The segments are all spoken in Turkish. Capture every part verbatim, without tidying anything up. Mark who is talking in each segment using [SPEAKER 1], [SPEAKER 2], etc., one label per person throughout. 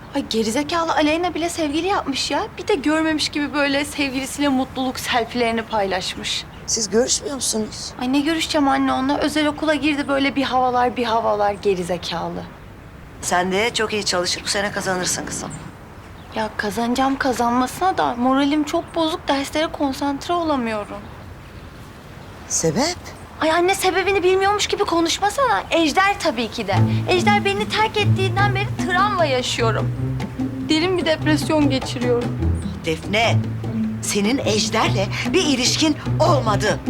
[SPEAKER 1] Ay gerizekalı Aleyna bile sevgili yapmış ya. Bir de görmemiş gibi böyle sevgilisiyle mutluluk selfilerini paylaşmış.
[SPEAKER 2] Siz görüşmüyor musunuz?
[SPEAKER 1] Ay ne görüşeceğim anne onunla. Özel okula girdi böyle bir havalar bir havalar gerizekalı.
[SPEAKER 2] Sen de çok iyi çalışır, bu sene kazanırsın kızım.
[SPEAKER 1] Ya kazanacağım kazanmasına da moralim çok bozuk. Derslere konsantre olamıyorum.
[SPEAKER 2] Sebep?
[SPEAKER 1] Ay anne sebebini bilmiyormuş gibi konuşmasana. Ejder tabii ki de. Ejder beni terk ettiğinden beri travma yaşıyorum. Derin bir depresyon geçiriyorum.
[SPEAKER 2] Defne, senin Ejder'le bir ilişkin olmadı.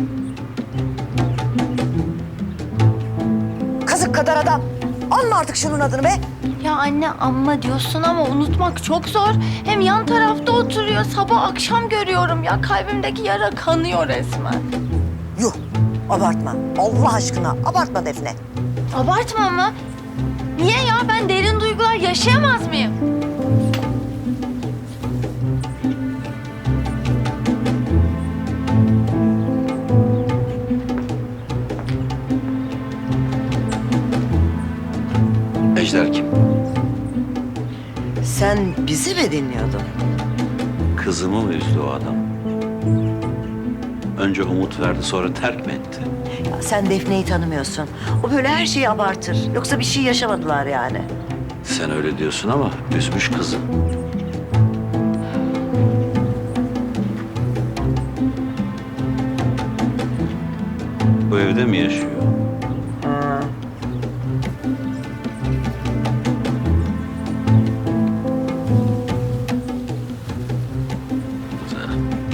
[SPEAKER 2] Kazık kadar adam. Anma artık şunun adını be.
[SPEAKER 1] Ya anne amma diyorsun ama unutmak çok zor. Hem yan tarafta oturuyor. Sabah akşam görüyorum ya. Kalbimdeki yara kanıyor resmen.
[SPEAKER 2] Yuh, abartma. Allah aşkına abartma Defne.
[SPEAKER 1] Abartma mı? Niye ya? Ben derin duygular yaşayamaz mıyım?
[SPEAKER 3] Ejder kim?
[SPEAKER 2] Sen bizi mi dinliyordun?
[SPEAKER 3] Kızımı mı üzdü o adam? Önce umut verdi, sonra terk mi etti?
[SPEAKER 2] Ya sen Defne'yi tanımıyorsun. O böyle her şeyi abartır. Yoksa bir şey yaşamadılar yani.
[SPEAKER 3] Sen öyle diyorsun ama üzmüş kızı. Bu evde mi yaşıyor? Güzel.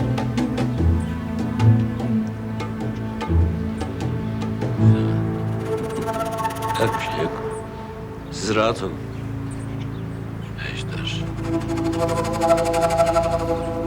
[SPEAKER 3] Güzel. Yok bir şey yok. Siz rahat olun. Ejder.